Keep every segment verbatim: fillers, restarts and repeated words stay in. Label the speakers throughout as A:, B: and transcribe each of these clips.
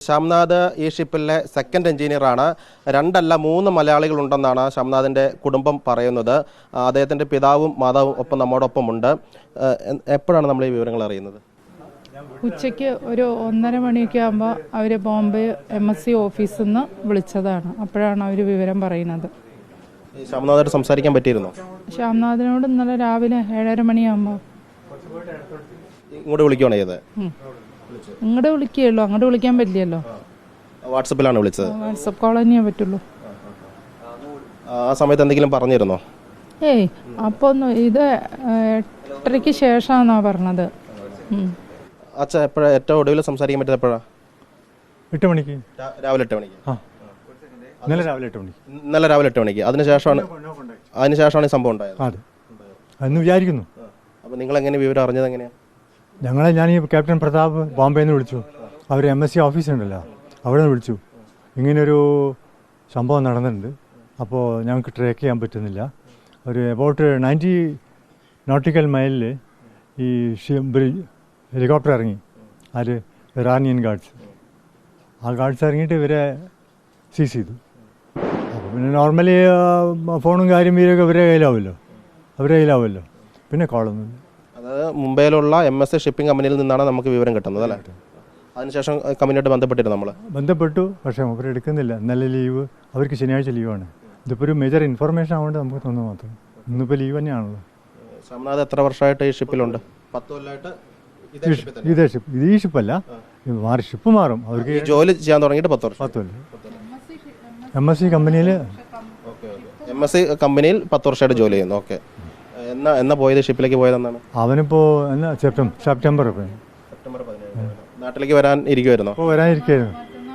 A: ഷംനാഥ് ഈ ഷിപ്പിലെ സെക്കൻഡ് എഞ്ചിനീയറാണ്. രണ്ടല്ല മൂന്ന് മലയാളികളുണ്ടെന്നാണ് ഷംനാഥിൻ്റെ കുടുംബം പറയുന്നത്. അദ്ദേഹത്തിൻ്റെ പിതാവും മാതാവും ഒപ്പം നമ്മോടൊപ്പം ഉണ്ട്. എപ്പോഴാണ് നമ്മൾ ഈ വിവരങ്ങൾ അറിയുന്നത്?
B: ഉച്ചയ്ക്ക് ഒരു ഒന്നര മണിയൊക്കെ ആകുമ്പോൾ അവർ ബോംബെ എം എസ് സി ഓഫീസിൽ നിന്ന് വിളിച്ചതാണ്. അപ്പോഴാണ് അവർ വിവരം പറയുന്നത്.
A: ഷംനാഥോട് സംസാരിക്കാൻ പറ്റിയിരുന്നോ?
B: ഷംനാഥിനോട് ഇന്നലെ രാവിലെ ഏഴര മണിയാകുമ്പോൾ
A: ഇങ്ങോട്ട് വിളിക്കുകയാണ് ചെയ്തത്.
B: ഇങ്ങോട്ട് വിളിക്കുകയുള്ളൂ, അങ്ങോട്ട് വിളിക്കാൻ പറ്റില്ലല്ലോ.
A: വാട്സപ്പിലാണ് വിളിച്ചത്?
B: വാട്സപ്പ് കോൾ തന്നെയേ പറ്റുള്ളൂ.
A: ആ സമയത്ത് എന്തെങ്കിലും പറഞ്ഞിരുന്നോ?
B: ഏയ് അപ്പോൾ ഒന്നും, ഇത് എട്ടരയ്ക്ക് ശേഷമാണെന്നാണ് പറഞ്ഞത്.
A: അച്ഛാ എപ്പോഴാ ഏറ്റവും ഒടുവിൽ സംസാരിക്കാൻ പറ്റിയത്? എപ്പോഴാണ്?
C: എട്ട് മണിക്ക്,
A: രാവിലെ എട്ട് മണിക്ക്.
C: ഇന്നലെ രാവിലെ എട്ട് മണിക്ക്.
A: ഇന്നലെ രാവിലെ എട്ട് മണിക്ക്. അതിനുശേഷമാണ് അതിനുശേഷമാണ് ഈ സംഭവം ഉണ്ടായത്.
C: അതെ, എന്ന് വിചാരിക്കുന്നു.
A: അപ്പോൾ നിങ്ങൾ എങ്ങനെ വിവരം അറിഞ്ഞത്? എങ്ങനെയാണ്?
C: ഞങ്ങളെ ഞാൻ ഈ ക്യാപ്റ്റൻ പ്രതാപ് ബോംബെയിൽ നിന്ന് വിളിച്ചു. അവർ എം എസ് സി ഓഫീസുണ്ടല്ലോ, അവിടെ നിന്ന് വിളിച്ചു. ഇങ്ങനെയൊരു സംഭവം നടന്നിട്ടുണ്ട്, അപ്പോൾ ഞങ്ങൾക്ക് ട്രാക്ക് ചെയ്യാൻ പറ്റുന്നില്ല. ഒരു എബൌട്ട് നയൻറ്റി നോട്ടിക്കൽ മൈലിൽ ഈ ഹെലികോപ്റ്റർ ഇറങ്ങി. ആര്? Iranian guards. ആ ഗാർഡ്സ് ഇറങ്ങിയിട്ട് ഇവരെ സീസ് ചെയ്തു. അപ്പോൾ പിന്നെ നോർമലി ഫോണും കാര്യം വീരൊക്കെ ഇവരെ കയ്യിലാവുമല്ലോ, അവരെ കയ്യിലാവുമല്ലോ. പിന്നെ കോളൊന്നുമില്ല.
A: അതായത് മുംബൈയിലുള്ള എം എസ് എ ഷിപ്പിംഗ് കമ്പനിയിൽ നിന്നാണ് നമുക്ക് വിവരം കിട്ടുന്നത് അല്ലേ? അതിനുശേഷം കമ്പനിയായിട്ട് ബന്ധപ്പെട്ടിരുന്നു നമ്മൾ? ബന്ധപ്പെട്ടു,
C: പക്ഷേ അവർ എടുക്കുന്നില്ല. ഇന്നലെ ലീവ്, അവർക്ക് ശനിയാഴ്ച ലീവാണ്. ഇതിപ്പോൾ ഒരു മേജർ ഇൻഫർമേഷൻ ആവേണ്ട നമുക്ക് തോന്നുന്നു മാത്രം. ഇന്നിപ്പോൾ ലീവ് തന്നെയാണല്ലോ.
A: ഷംനാഥ് എത്ര വർഷമായിട്ട് ഈ ഷിപ്പിലുണ്ട്? പത്ത് കൊല്ലമായിട്ട്
C: ഇതേ ഷിപ്പ്. ഇത് ഈ ഷിപ്പല്ല, മാറി ഷിപ്പ് മാറും. അവർക്ക്
A: ജോലി ചെയ്യാൻ തുടങ്ങിയിട്ട് പത്ത് വർഷം.
C: പത്ത് കൊല്ലം എം എസ് സി കമ്പനിയിൽ
A: എം എസ് സി കമ്പനിയിൽ പത്ത് വർഷമായിട്ട് ജോലി ചെയ്യുന്നു. ഓക്കെ. എന്നാ എന്നാ പോയത്? ഷിപ്പിലേക്ക് പോയതെന്നാണ്?
C: അവനിപ്പോൾ എന്നാ സെപ്റ്റംബർ സെപ്റ്റംബർ
A: സെപ്റ്റംബർ പതിനേഴ് നാട്ടിലേക്ക് വരാൻ ഇരിക്കുമായിരുന്നോ?
C: ഇപ്പോൾ വരാനിരിക്കുമായിരുന്നു.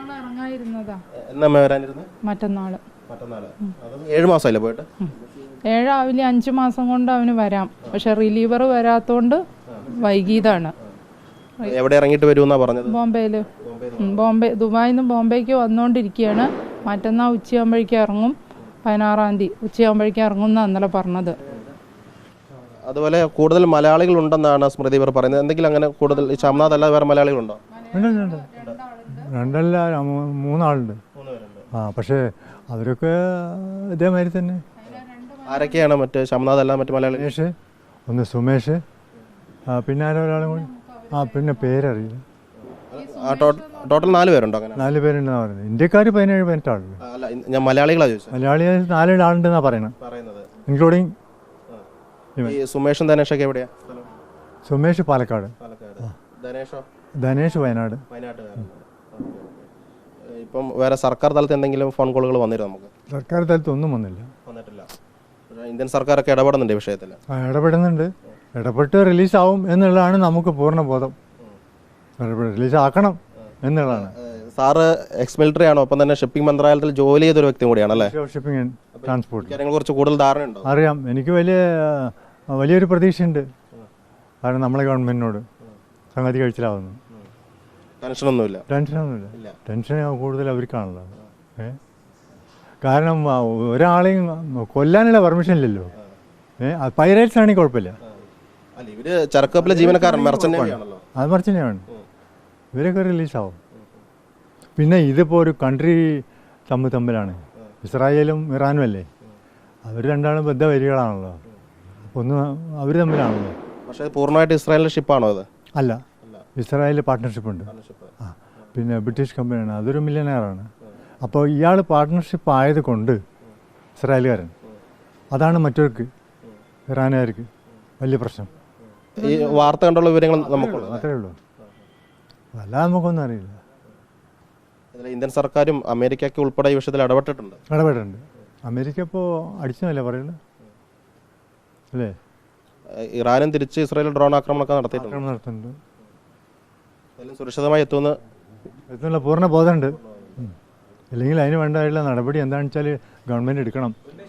A: എന്നാ വരാനിരുന്നത്?
B: മറ്റന്നാള്.
A: മറ്റന്നാള്. ഏഴ് മാസമല്ലേ പോയിട്ട്?
B: ഏഴാവില്ല, അഞ്ച് മാസം കൊണ്ട് അവന് വരാം. പക്ഷെ റിലീവർ വരാത്തോണ്ട് വൈകിയതാണ്.
A: എവിടെ ഇറങ്ങിയിട്ട് വരുമെന്നാ പറഞ്ഞത്?
B: ബോംബെയില്. ബോംബെ ദുബായിൽ നിന്ന് ബോംബെക്ക് വന്നുകൊണ്ടിരിക്കുകയാണ്. മറ്റന്നാൾ ഉച്ചയാകുമ്പോഴേക്കും ഇറങ്ങും. പതിനാറാം തീയതി ഉച്ചയാകുമ്പോഴേക്കും ഇറങ്ങും എന്നാണ് ഇന്നലെ പറഞ്ഞത്.
A: അതുപോലെ കൂടുതൽ മലയാളികൾ ഉണ്ടെന്നാണ് സ്മൃതി ഇവർ പറയുന്നത്. എന്തെങ്കിലും അങ്ങനെ കൂടുതൽ ഈ ഷംനാഥ് അല്ലാതെ വേറെ മലയാളികളുണ്ടോ?
C: രണ്ടല്ല, മൂന്നാളുണ്ട്. ആ, പക്ഷേ അവരൊക്കെ ഇതേമാതിരി തന്നെ.
A: ആരൊക്കെയാണ് മറ്റേ ഷംനാഥ് അല്ല മറ്റു മലയാളി?
C: സുമേഷ്, ഒന്ന് സുമേഷ്, പിന്നെ ആരോ ഒരാളും കൂടി. ആ, പിന്നെ പേരറിയില്ല.
A: ടോട്ടൽ നാല് പേരുണ്ടോ? അങ്ങനെ
C: നാല് പേരുണ്ടെന്നാണ് പറയുന്നത്. ഇന്ത്യക്കാർ പതിനേഴ് പതിനെട്ട് ആളുണ്ട്.
A: അല്ല, ഞാൻ മലയാളികളാണ് ചോദിച്ചത്.
C: മലയാളി നാല് ആളുണ്ടെന്നാണ് പറയുന്നത്, ഇൻക്ലൂഡിങ്
A: ഈ സുമേഷും ധനേഷൊക്കെ എവിടെയാ?
C: സുമേഷ് പാലക്കാട്,
A: ധനേഷോ?
C: ധനേഷ് വയനാട്.
A: വയനാട്. ഇപ്പം വേറെ സർക്കാർ തലത്തിൽ എന്തെങ്കിലും ഫോൺ കോളുകൾ വന്നിരുന്നു? നമുക്ക്
C: സർക്കാർ തലത്തിൽ ഒന്നും വന്നില്ല.
A: വന്നിട്ടില്ല. ഇന്ത്യൻ സർക്കാരൊക്കെ ഇടപെടുന്നുണ്ട് ഈ വിഷയത്തിൽ.
C: ആ, ഇടപെടുന്നുണ്ട്. ഇടപെട്ട് റിലീസാവും എന്നുള്ളതാണ് നമുക്ക് പൂർണ്ണ ബോധം. റിലീസാക്കണം എന്നുള്ളതാണ്.
A: സാറ് എക്സ് മിലിറ്ററി ആണോ? ഒപ്പം തന്നെ ഷിപ്പിംഗ് മന്ത്രാലയത്തിൽ ജോലി ചെയ്തൊരു വ്യക്തി കൂടിയാണ് അല്ലേ?
C: ഷിപ്പിംഗ് ആൻഡ് ട്രാൻസ്പോർട്ട്
A: കാര്യങ്ങളെ കുറിച്ച് കൂടുതൽ ധാരണയുണ്ടോ?
C: അറിയാം. എനിക്ക് വലിയ വലിയൊരു പ്രതീക്ഷയുണ്ട്. കാരണം നമ്മളെ ഗവൺമെന്റിനോട് സംഗതി കഴിച്ചിലാവുന്നു.
A: ടെൻഷനൊന്നുമില്ല?
C: ടെൻഷനൊന്നുമില്ല. ടെൻഷൻ കൂടുതൽ അവർക്കാണല്ലോ. ഏ കാരണം ഒരാളെയും കൊല്ലാനുള്ള പെർമിഷൻ ഇല്ലല്ലോ. ഏഹ് പൈറേറ്റ്സ് ആണെങ്കിൽ കുഴപ്പമില്ല.
A: ഇവര് ചരക്കപ്പലിലെ ജീവനക്കാരൻ അത്
C: മറിച്ചനെയാണ്. ഇവരൊക്കെ റിലീസാവും. പിന്നെ ഇതിപ്പോൾ ഒരു കൺട്രി തമ്മിൽ തമ്മിലാണ്. ഇസ്രായേലും ഇറാനും അല്ലേ? അവർ രണ്ടാളും ബദ്ധവരികളാണല്ലോ. അപ്പോൾ ഒന്ന് അവർ തമ്മിലാണല്ലോ.
A: പക്ഷേ പൂർണ്ണമായിട്ട് ഇസ്രായേലിൻ്റെ ഷിപ്പാണോ അത്?
C: അല്ല, ഇസ്രായേൽ പാർട്ട്ണർഷിപ്പ് ഉണ്ട്. ആ, പിന്നെ ബ്രിട്ടീഷ് കമ്പനിയാണ്, അതൊരു മില്യനെയറാണ്. അപ്പോൾ ഇയാൾ പാർട്ട്ണർഷിപ്പ് ആയത് കൊണ്ട് ഇസ്രായേലുകാരൻ, അതാണ് മറ്റവർക്ക് ഇറാനുകാർക്ക് വലിയ പ്രശ്നം.
A: ഈ വാർത്ത കണ്ടുള്ള വിവരങ്ങൾ നമുക്കുള്ളൂ,
C: അത്രേ ഉള്ളൂ. അല്ലാതെ നമുക്കൊന്നും അറിയില്ല.
A: ഇന്ത്യൻ സർക്കാരും അമേരിക്കയ്ക്ക് ഉൾപ്പെടെ ഈ വിഷയത്തിൽ ഇടപെട്ടിട്ടുണ്ട്.
C: ഇടപെട്ടിട്ടുണ്ട്. അമേരിക്ക ഇപ്പോൾ അടിച്ചതല്ലേ പറയുന്നത് അല്ലേ?
A: ഇറാനും തിരിച്ച് ഇസ്രായേൽ ഡ്രോൺ ആക്രമണമൊക്കെ നടത്തിയിട്ടുണ്ട്.
C: നടത്തുന്നുണ്ട്.
A: സുരക്ഷിതമായി എത്തുമെന്ന്
C: എത്തുന്നുള്ള പൂർണ്ണ ബോധമുണ്ട്. ഇല്ലെങ്കിൽ അതിന് വേണ്ടതായിട്ടുള്ള നടപടി എന്താണെന്ന് വെച്ചാൽ ഗവൺമെൻറ് എടുക്കണം.